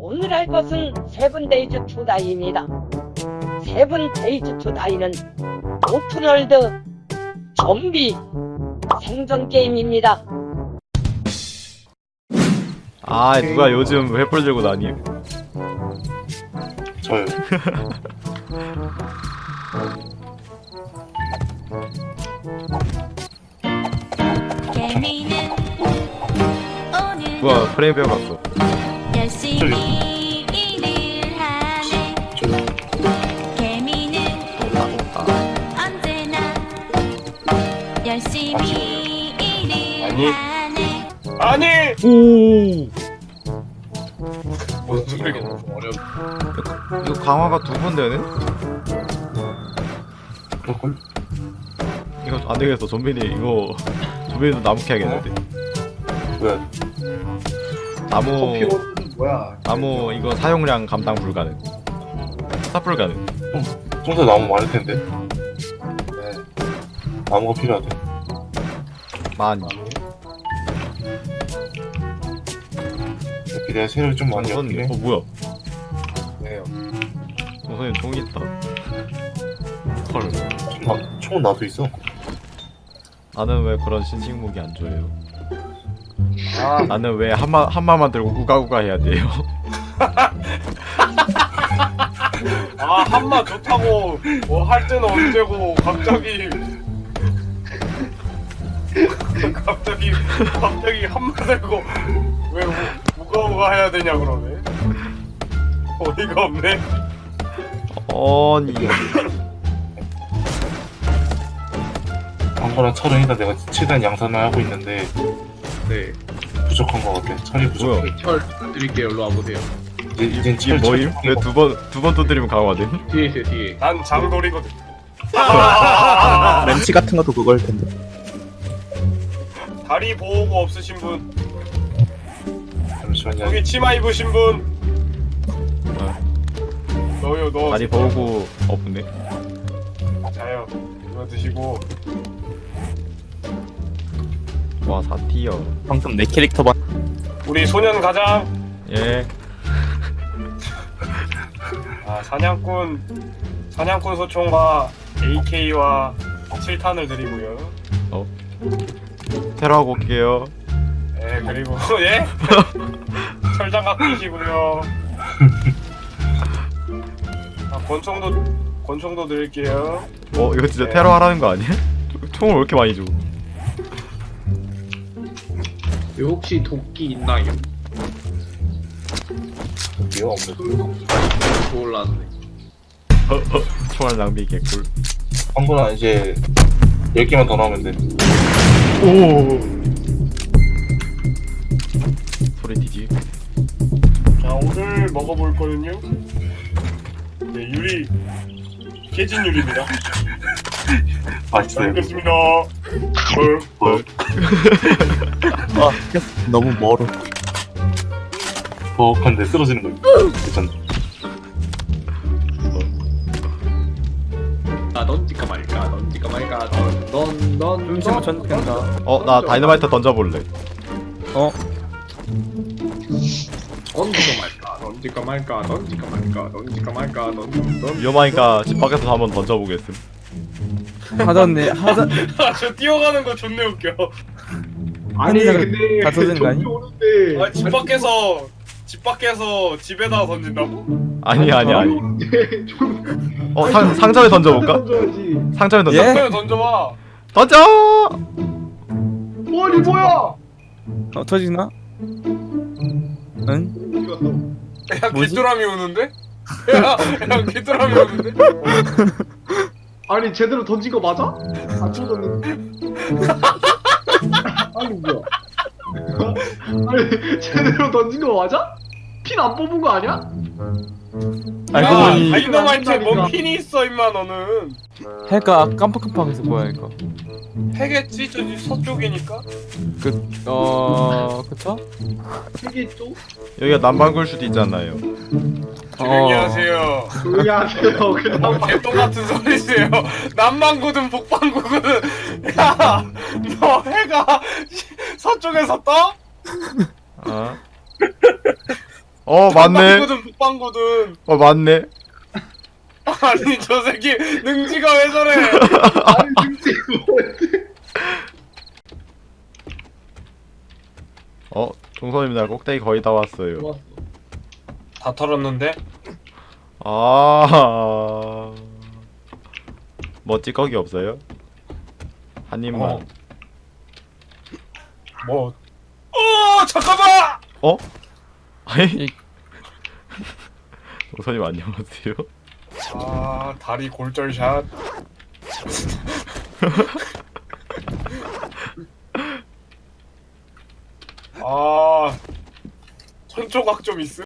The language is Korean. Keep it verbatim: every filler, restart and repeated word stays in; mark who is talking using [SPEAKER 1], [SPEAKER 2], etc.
[SPEAKER 1] 오늘 할 것은 세븐데이즈 투 다이입니다. 세븐데이즈 투 다이는 오픈월드 좀비 생존 게임입니다.
[SPEAKER 2] 아 누가 요즘 횃불 들고 다니?
[SPEAKER 3] 저요.
[SPEAKER 4] 개미는 오늘
[SPEAKER 2] 누가 프레임 빼어갔어?
[SPEAKER 4] 열심히 일을 하네.
[SPEAKER 3] 저요.
[SPEAKER 4] 개미는 언제나 열심히 일을
[SPEAKER 3] 아니.
[SPEAKER 4] 하네.
[SPEAKER 3] 아니!
[SPEAKER 2] 오.
[SPEAKER 3] 무슨 소리가 너무 어려워.
[SPEAKER 2] 이거 강화가 두 번 되네?
[SPEAKER 3] 그럴걸?
[SPEAKER 2] 이거 안 되겠어. 좀비니 이거 좀비도 나무 캐야겠는데.
[SPEAKER 3] 왜?
[SPEAKER 2] 나무
[SPEAKER 3] 뭐야?
[SPEAKER 2] 나무 이거 사용량 감당 불가능. 삽 불가능.
[SPEAKER 3] 평소에 나무 많을 텐데. 네. 나무가 필요하대.
[SPEAKER 2] 많이.
[SPEAKER 3] 이렇게 내가 세력이 좀 많이 없긴 해.
[SPEAKER 2] 어 뭐야?
[SPEAKER 3] 네요.
[SPEAKER 2] 선생님 총 있다. 헐.
[SPEAKER 3] 나, 총은 나도 있어.
[SPEAKER 2] 나는 왜 그런 신식 무기 안 줘요?
[SPEAKER 3] 아,
[SPEAKER 2] 나는 왜 한마 한마만 들고 우가우가 해야 돼요?
[SPEAKER 5] 아 한마 좋다고 뭐 할 때는 언제고 갑자기 갑자기 갑자기 한마 들고 왜 우- 우가우가 해야 되냐 그러네. 어이가 없네.
[SPEAKER 2] 아니.
[SPEAKER 3] 광고랑 철은이다 내가 최대한 양산을 하고 있는데
[SPEAKER 5] 네.
[SPEAKER 3] 부족한 것 같아. 철이 부족해.
[SPEAKER 2] 뭐야?
[SPEAKER 5] 철 드릴게요. 일로 와보세요.
[SPEAKER 3] 이제 이젠
[SPEAKER 2] 이게
[SPEAKER 3] 철
[SPEAKER 2] 뭐임?
[SPEAKER 3] 철-
[SPEAKER 2] 왜 두 번 두 번 두드리면 강화돼?
[SPEAKER 5] 뒤에 있어요 뒤에. 난 장돌이거든.
[SPEAKER 6] 렌치 같은 것도 그걸 텐데.
[SPEAKER 5] 다리 보호구 없으신 분,
[SPEAKER 3] 잠시만요.
[SPEAKER 5] 여기 치마 입으신 분.
[SPEAKER 2] 어.
[SPEAKER 5] 너요 너.
[SPEAKER 2] 많이 보고 없네.
[SPEAKER 5] 자요. 이거 드시고.
[SPEAKER 2] 와 사 티어.
[SPEAKER 6] 방금 내 캐릭터만
[SPEAKER 5] 우리 소년 가장.
[SPEAKER 2] 예.
[SPEAKER 5] 아, 사냥꾼 사냥꾼 소총과 에이케이와 칠 탄을 드리고요.
[SPEAKER 2] 테러하고 올게요.
[SPEAKER 5] 예, 그리고 예? 철장갑 끼시고요. 아, 권총도 권총도 드릴게요.
[SPEAKER 2] 어 이거 진짜
[SPEAKER 5] 네.
[SPEAKER 2] 테러 하라는 거 아니야? 총을 왜 이렇게 많이 줘?
[SPEAKER 7] 여기 혹시 도끼 있나요?
[SPEAKER 3] 미워 없네.
[SPEAKER 7] 몰랐네.
[SPEAKER 2] 총알 낭비 개꿀.
[SPEAKER 3] 광고랑 이제 열 개만 더 나오면 돼.
[SPEAKER 2] 오. 소리 뒤지.
[SPEAKER 5] 자, 오늘 먹어볼 거는요. 네, 유리 깨진 유리입니다. 잘
[SPEAKER 3] 맛있어요.
[SPEAKER 5] 먹겠습니다. 어,
[SPEAKER 3] 뭐,
[SPEAKER 6] 아 너무 멀어.
[SPEAKER 3] 버벅한데 쓰러지는 거. 괜찮네.
[SPEAKER 7] 아 던질까 말까 던질까 말까 던던던
[SPEAKER 6] 음식은 전된다.
[SPEAKER 2] 어 나 다이너마이트 던져볼래.
[SPEAKER 6] 어?
[SPEAKER 7] 던질까 말까 던질까 말까 던질까 말까 던질까 말까 던던
[SPEAKER 2] 위험하니까 집 밖에서 한번 던져보겠음.
[SPEAKER 6] 하던데 하던
[SPEAKER 5] 아, 저 뛰어가는 거 존나 웃겨.
[SPEAKER 7] 아니
[SPEAKER 6] 다
[SPEAKER 7] 근데
[SPEAKER 6] 터지는 거 아니?
[SPEAKER 7] 좀비 오는데
[SPEAKER 5] 아, 집 밖에서 집 밖에서 집에다 던진다고?
[SPEAKER 2] 아니 아니 아니.
[SPEAKER 7] 오는데 좀
[SPEAKER 2] 어 상 상점에 던져볼까?
[SPEAKER 7] 던져야지.
[SPEAKER 2] 상점에 던져.
[SPEAKER 6] 예?
[SPEAKER 5] 그냥 던져봐.
[SPEAKER 2] 던져.
[SPEAKER 7] 어, 이 뭐야?
[SPEAKER 6] 어 터지나? 응?
[SPEAKER 7] 어디 갔어?
[SPEAKER 5] 야,
[SPEAKER 6] 뭐지?
[SPEAKER 5] 귀뚜라미 오는데? 야, 야, 귀뚜라미 오는데?
[SPEAKER 7] 아니 제대로 던진 거 맞아? 안 쳐졌는데? 아니 뭐야? 아니 제대로 던진 거 맞아? 핀 안 뽑은 거 아니야?
[SPEAKER 6] 알고
[SPEAKER 5] 야,
[SPEAKER 6] 보니
[SPEAKER 5] 다이너마이트에 뭔 핀이 있어, 임마, 너는.
[SPEAKER 6] 해가 깜빡깜빡해서 뭐야 이거.
[SPEAKER 5] 해겠지? 저기 서쪽이니까?
[SPEAKER 6] 어 그쵸?
[SPEAKER 7] 세개 쪽?
[SPEAKER 2] 여기가 남방굴 수도 있잖아요.
[SPEAKER 5] 조용히
[SPEAKER 6] 어.
[SPEAKER 5] 하세요.
[SPEAKER 7] 조용히 하세요. 그냥
[SPEAKER 5] 뭐 개똥 같은 소리세요. 남반구든 북반구든. 야, 너 해가 서쪽에서 떠?
[SPEAKER 2] 어? 어 맞네.
[SPEAKER 5] 북방구든 북방구든.
[SPEAKER 2] 어 맞네.
[SPEAKER 5] 아니 저 새끼 능지가 왜 저래?
[SPEAKER 3] 아니 능지 뭐지?
[SPEAKER 2] 어 동선입니다. 꼭대기 거의 다 왔어요.
[SPEAKER 5] 다 털었는데?
[SPEAKER 2] 아. 뭐 찌꺼기 없어요? 한 입만.
[SPEAKER 5] 어. 뭐? 어 잠깐만!
[SPEAKER 2] 어? 아이.
[SPEAKER 6] 이-
[SPEAKER 2] 동선님 안녕하세요.
[SPEAKER 5] 아 다리 골절샷. 아 천조각 좀 있음.